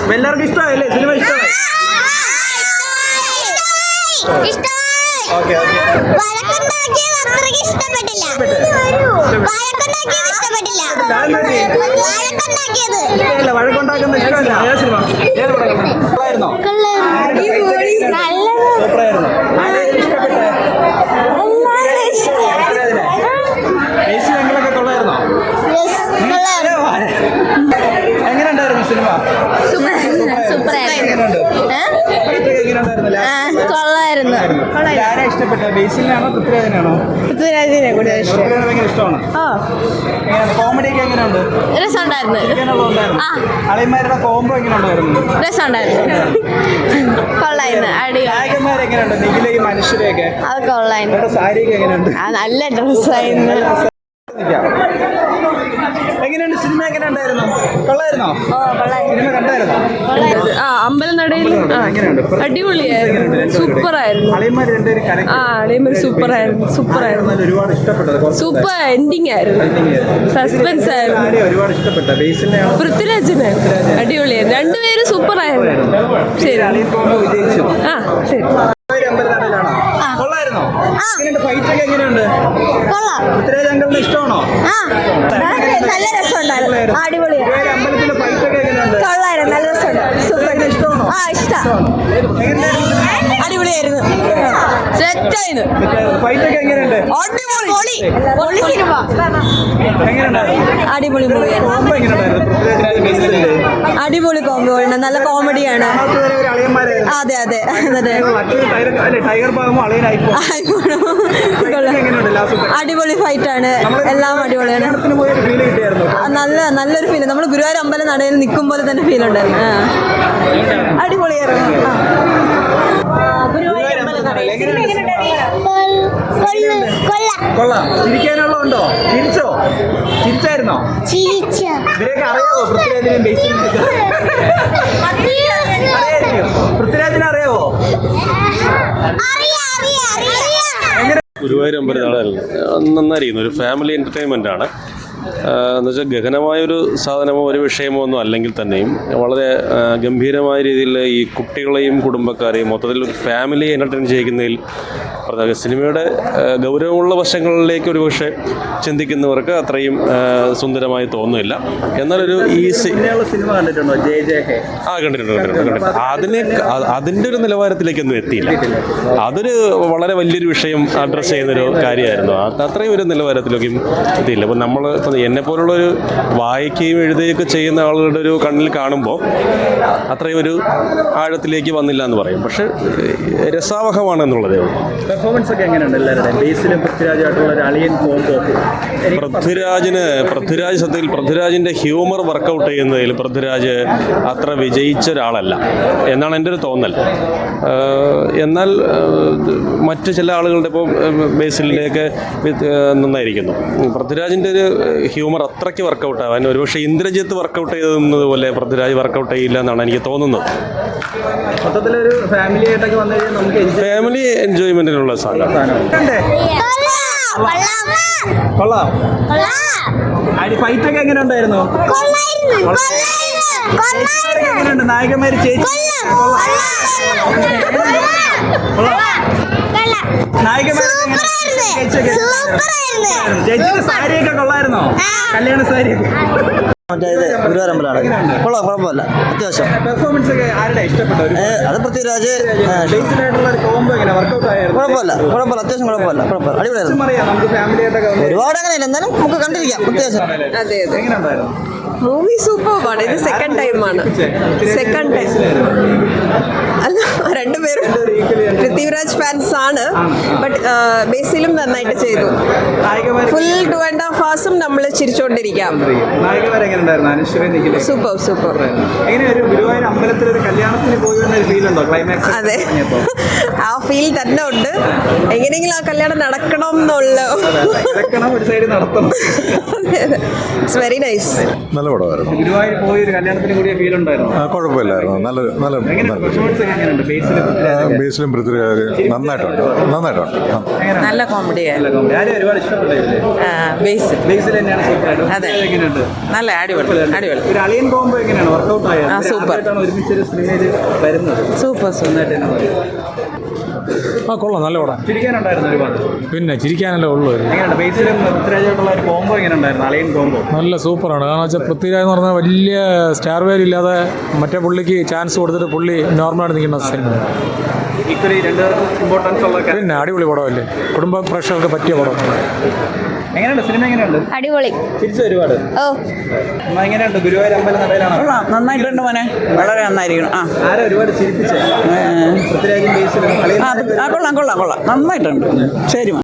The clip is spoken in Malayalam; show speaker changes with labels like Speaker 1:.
Speaker 1: എല്ലാവർക്കും ഇഷ്ടമായല്ലേ സിനിമ? ഇഷ്ടമായി? Okay okay. വഴക്കുണ്ടാക്കുന്ന ഇഷ്ടമല്ല. ഏത് സിനിമ? ഏത് പടമായിരുന്നോ? സൂപ്പറായിരുന്നു. ഇഷ്ടപ്പെട്ടെ ബേസിലൊക്കെ കൊള്ളായിരുന്നോ? എങ്ങനെയുണ്ടായിരുന്നു സിനിമ? ആരാ ഇഷ്ടപ്പെട്ട? ബേസിലിനാണോ പൃഥ്വിരാജിനാണോ?
Speaker 2: പൃഥ്വിരാജിനെ കൂടുതൽ
Speaker 1: ഇഷ്ടമാണ്. കോമഡി ഒക്കെ എങ്ങനെയുണ്ട്?
Speaker 2: രസമുണ്ടായിരുന്നു.
Speaker 1: അളിയന്മാരുടെ കോംബോ എങ്ങനെ ഉണ്ടായിരുന്നു?
Speaker 2: രസമുണ്ടായിരുന്നു. കൊള്ളായിരുന്നു.
Speaker 1: നായകന്മാർ എങ്ങനെയുണ്ട്? നിഖിലയും മനുഷ്യരെയൊക്കെ
Speaker 2: അത് കൊള്ളായിരുന്നു.
Speaker 1: സാരിയൊക്കെ എങ്ങനെയുണ്ട്?
Speaker 2: നല്ല ഡ്രസ്സായിരുന്നു.
Speaker 1: എങ്ങനെയുണ്ട് സിനിമ? എങ്ങനെ ഉണ്ടായിരുന്നു? കൊള്ളായിരുന്നോ? സിനിമ കണ്ടായിരുന്നോ?
Speaker 2: അമ്പലനടയിൽ അടിപൊളിയായിരുന്നു. സൂപ്പറായിരുന്നു. അളിയന്മാർ സൂപ്പറായിരുന്നു.
Speaker 1: ഒരുപാട് ഇഷ്ടപ്പെട്ടത്.
Speaker 2: സൂപ്പർ എൻഡിങ് ആയിരുന്നു. സസ്പെൻസ് ആയിരുന്നു.
Speaker 1: ഒരുപാട് ഇഷ്ടപ്പെട്ട
Speaker 2: പൃഥ്വിരാജിന് അടിപൊളിയായിരുന്നു. രണ്ടുപേരും സൂപ്പറായിരുന്നു. ശരി.
Speaker 1: വിജയിച്ചു.
Speaker 2: ശരി.
Speaker 1: കൊള്ളായിരുന്നോ? ഫൈറ്റ് ഒക്കെ എങ്ങനെയുണ്ട്? പൃഥ്വിരാജ് അങ്കിളിന് ഇഷ്ടമാണോ?
Speaker 2: നല്ല രസമുണ്ടായിരുന്നു. അടിപൊളിയായിരുന്നു.
Speaker 1: അമ്പലത്തിലെ ഫൈറ്റ് ഒക്കെ എങ്ങനെയുണ്ട്?
Speaker 2: കൊള്ളായിരുന്നു. നല്ല രസമുണ്ട്. സൂപ്പർ.
Speaker 1: ഇഷ്ടമാണോ?
Speaker 2: അടിപൊളിയായിരുന്നു. സെറ്റായിരുന്നു.
Speaker 1: ഫൈറ്റ് ഒക്കെ എങ്ങനെയുണ്ട്?
Speaker 2: അടിപൊളി മൂവിയാണ്. അടിപൊളി കോംബോ ആണ്. നല്ല കോമഡിയാണ്. അതെ അതെ അടിപൊളി ഫൈറ്റ് ആണ്. എല്ലാം അടിപൊളിയാണ്. നല്ലൊരു ഫീൽ. നമ്മൾ ഗുരുവായൂർ അമ്പലം നടയിൽ നിൽക്കും പോലെ തന്നെ ഫീൽ ഉണ്ടായിരുന്നു. അടിപൊളിയായിരുന്നു.
Speaker 1: കൊള്ളാം. ചിരിക്കാനുള്ളതുണ്ടോ? ചിരിച്ചായിരുന്നോ? ഇവരെയൊക്കെ അറിയാവോ? പൃഥ്വിരാജിനെയും ബേസിലിനെയൊക്കെ പൃഥ്വിരാജിനെ അറിയാവോ?
Speaker 3: ഗുരുവായൂർ അമ്പലം നാടകമല്ല, നന്നായിരിക്കുന്നു. ഒരു ഫാമിലി എൻ്റർടൈൻമെൻ്റ് ആണ്. എന്നുവെച്ചാൽ ഗഹനമായൊരു സാധനമോ ഒരു വിഷയമോ ഒന്നും അല്ലെങ്കിൽ തന്നെയും വളരെ ഗംഭീരമായ രീതിയിൽ ഈ കുട്ടികളെയും കുടുംബക്കാരെയും മൊത്തത്തിൽ ഒരു ഫാമിലി എൻ്റർടൈൻ ചെയ്യിക്കുന്നതിൽ സിനിമയുടെ ഗൗരവമുള്ള വശങ്ങളിലേക്ക് ഒരു പക്ഷേ ചിന്തിക്കുന്നവർക്ക് അത്രയും സുന്ദരമായി തോന്നുന്നില്ല. എന്നാലൊരു ഈ
Speaker 1: സിനിമ കണ്ടിട്ടുണ്ടോ?
Speaker 3: കണ്ടിട്ടുണ്ട്. അതിൻ്റെ ഒരു നിലവാരത്തിലേക്കൊന്നും എത്തിയില്ല. അതൊരു വളരെ വലിയൊരു വിഷയം അഡ്രസ്സ് ചെയ്യുന്നൊരു കാര്യമായിരുന്നു. അത്രയും ഒരു നിലവാരത്തിലേക്കും എത്തിയില്ല. അപ്പോൾ നമ്മൾ എന്നെപ്പോലുള്ളൊരു വായിക്കുകയും എഴുതുകയൊക്കെ ചെയ്യുന്ന ആളുകളുടെ ഒരു കണ്ണിൽ കാണുമ്പോൾ അത്രയും ഒരു ആഴത്തിലേക്ക് വന്നില്ല എന്ന് പറയും. പക്ഷെ രസാവഹമാണ് എന്നുള്ളതേ ഉള്ളൂ.
Speaker 1: പെർഫോമൻസ് ഒക്കെ എങ്ങനെയുണ്ട് എല്ലാവരുടെയും? ബേസിലും പൃഥ്വിരാജായിട്ടുള്ള ഒരു അളിയൻ കോംബോ.
Speaker 3: പൃഥ്വിരാജിൻ്റെ ഹ്യൂമർ വർക്കൗട്ട് ചെയ്യുന്നതിൽ പൃഥ്വിരാജ് അത്ര വിജയിച്ച ഒരാളല്ല എന്നാണ് എൻ്റെ ഒരു തോന്നൽ. എന്നാൽ മറ്റു ചില ആളുകളുടെ ഇപ്പോൾ ബേസിലിൻ്റെയൊക്കെ നന്നായിരിക്കുന്നു. പൃഥ്വിരാജിൻ്റെ ഒരു ഹ്യൂമർ അത്രയ്ക്ക് വർക്കൗട്ട് ആവാൻ ഒരുപക്ഷെ ഇന്ദ്രജിത്ത് വർക്കൗട്ട് ചെയ്തത് പോലെ പൃഥ്വിരാജ് വർക്കൗട്ട് ചെയ്യില്ല എന്നാണ് എനിക്ക് തോന്നുന്നത്.
Speaker 1: മൊത്തത്തിലൊരു ഫാമിലി ആയിട്ടൊക്കെ വന്നു കഴിഞ്ഞാൽ നമുക്ക്
Speaker 3: ഫാമിലി എൻജോയ്മെന്റിനുള്ള സാധനം.
Speaker 1: ഫൈറ്റ് ഒക്കെ എങ്ങനെ ഉണ്ടായിരുന്നു? എങ്ങനെയുണ്ട് നായകന്മാര്? ചേച്ചിയുടെ സാരിയൊക്കെ കൊള്ളായിരുന്നോ? കല്യാണ സാരിയൊക്കെ
Speaker 4: ഗുരുവായൂരമ്പലാണ്. കൊള്ളാം, കുഴപ്പമില്ല. അത്യാവശ്യം
Speaker 1: പെർഫോമൻസ് ഒക്കെ ആരുടെ ഇഷ്ടപ്പെട്ടു?
Speaker 4: അത് പൃഥ്വിരാജ്.
Speaker 1: കുഴപ്പമില്ല.
Speaker 4: അത്യാവശ്യം കുഴപ്പമില്ല. അടിപൊളിയായിരുന്നു.
Speaker 1: ഒരുപാട്
Speaker 4: അങ്ങനെയല്ല, എന്നാലും നമുക്ക് കണ്ടിരിക്കാം. അത്യാവശ്യം
Speaker 2: അതെ അതെ. മൂവി സൂപ്പർബാണ്. ഇത് സെക്കൻഡ് ടൈമാണ്. അല്ല, രണ്ടുപേരും പൃഥ്വിരാജ് ഫാൻസ് ആണ്. ബട്ട് ബേസിലും നന്നായിട്ട് ചെയ്തു. ഫുൾ 2.5 hours നമ്മൾ ചിരിച്ചുകൊണ്ടിരിക്കാം. സൂപ്പർ. അതെ, ആ ഫീൽ തന്നെ ഉണ്ട്. എങ്ങനെയെങ്കിലും ആ കല്യാണം നടക്കണം എന്നുള്ള. It's very nice.
Speaker 5: നല്ല പടമായിരുന്നു.
Speaker 1: ഗുരുവായൂർ പോയി ഒരു കല്യാണത്തിന് കൂടിയ ഫീൽ ഉണ്ടായിരുന്നു.
Speaker 5: കുഴപ്പമില്ലായിരുന്നു. നല്ല
Speaker 1: ബേസിലും പൃഥ്വിരാജൊക്കെ?
Speaker 5: ബേസിലും പൃഥ്വിരാജ് നന്നായിട്ടുണ്ട്
Speaker 1: എങ്ങനെയുണ്ട്?
Speaker 2: നല്ല കോമഡിയായി.
Speaker 1: നല്ല comedy. ആരെയും ഒരുപാട് ഇഷ്ടപ്പെട്ടില്ലേ?
Speaker 2: ബേസ്
Speaker 1: ബേസിൽ തന്നെയാണ് സൂപ്പറായിട്ട്.
Speaker 2: അതെ.
Speaker 1: പൃഥ്വിരാജ് എങ്ങനെയുണ്ട്?
Speaker 2: നല്ല അടിപൊളി അടിപൊളി
Speaker 1: ഒരു അളിയൻ കോംബോ എങ്ങനെയാണ് വർക്കൗട്ട് ആയത്?
Speaker 2: സൂപ്പർ.
Speaker 1: ആദ്യമായിട്ടാണ് ഒരുമിച്ചൊരു സിനിമയിൽ വരുന്നത്.
Speaker 2: സൂപ്പർ
Speaker 1: നന്നായിട്ട് തന്നെ മതി.
Speaker 6: ആ കൊള്ളാം, നല്ല പടം.
Speaker 1: ചിരിക്കാനുണ്ടായിരുന്നു ഒരുപാട്.
Speaker 6: പിന്നെ ചിരിക്കാനല്ലേ ഉള്ളൂ.
Speaker 1: എങ്ങനെയുണ്ട് ബേസിലും പൃഥ്വിരാജായിട്ടുള്ള ഒരു കോംബോ എങ്ങനെയുണ്ടായിരുന്നു? അളിയൻ കോംബോ
Speaker 6: നല്ല സൂപ്പറാണ്. കാരണം വെച്ചാൽ പൃഥ്വിരാജ് എന്ന് പറഞ്ഞാൽ വലിയ സ്റ്റാർ വാല്യൂ ഇല്ലാതെ മറ്റേ പുള്ളിക്ക് ചാൻസ് കൊടുത്തിട്ട് പുള്ളി നോർമലായിട്ട് നിൽക്കുന്ന സിനിമ.
Speaker 1: ഈക്വലി രണ്ടുപേർക്കും ഇമ്പോർട്ടൻസ് ഉള്ള
Speaker 6: പിന്നെ അടിപൊളി പടമല്ലേ, കുടുംബ പ്രേക്ഷകർക്ക് പറ്റിയ പടം.
Speaker 1: എങ്ങനെയുണ്ട് സിനിമ? എങ്ങനെയുണ്ട്?
Speaker 7: അടിപൊളി.
Speaker 1: ചിരിച്ചു ഒരുപാട്.
Speaker 7: ഓ
Speaker 1: അമ്മ എങ്ങനെയുണ്ട്? ഗുരുവായൂർ അമ്പലം നടയിലാണോ?
Speaker 2: നന്നായിട്ടുണ്ട് മോനെ, വളരെ നന്നായിരിക്കണം.
Speaker 1: ആരാ ഒരുപാട് ചിരിപ്പിച്ചേ? പൃഥ്വിരാജും ബേസിലും
Speaker 2: കൊള്ളാം നന്നായിട്ടുണ്ട്. ശരി.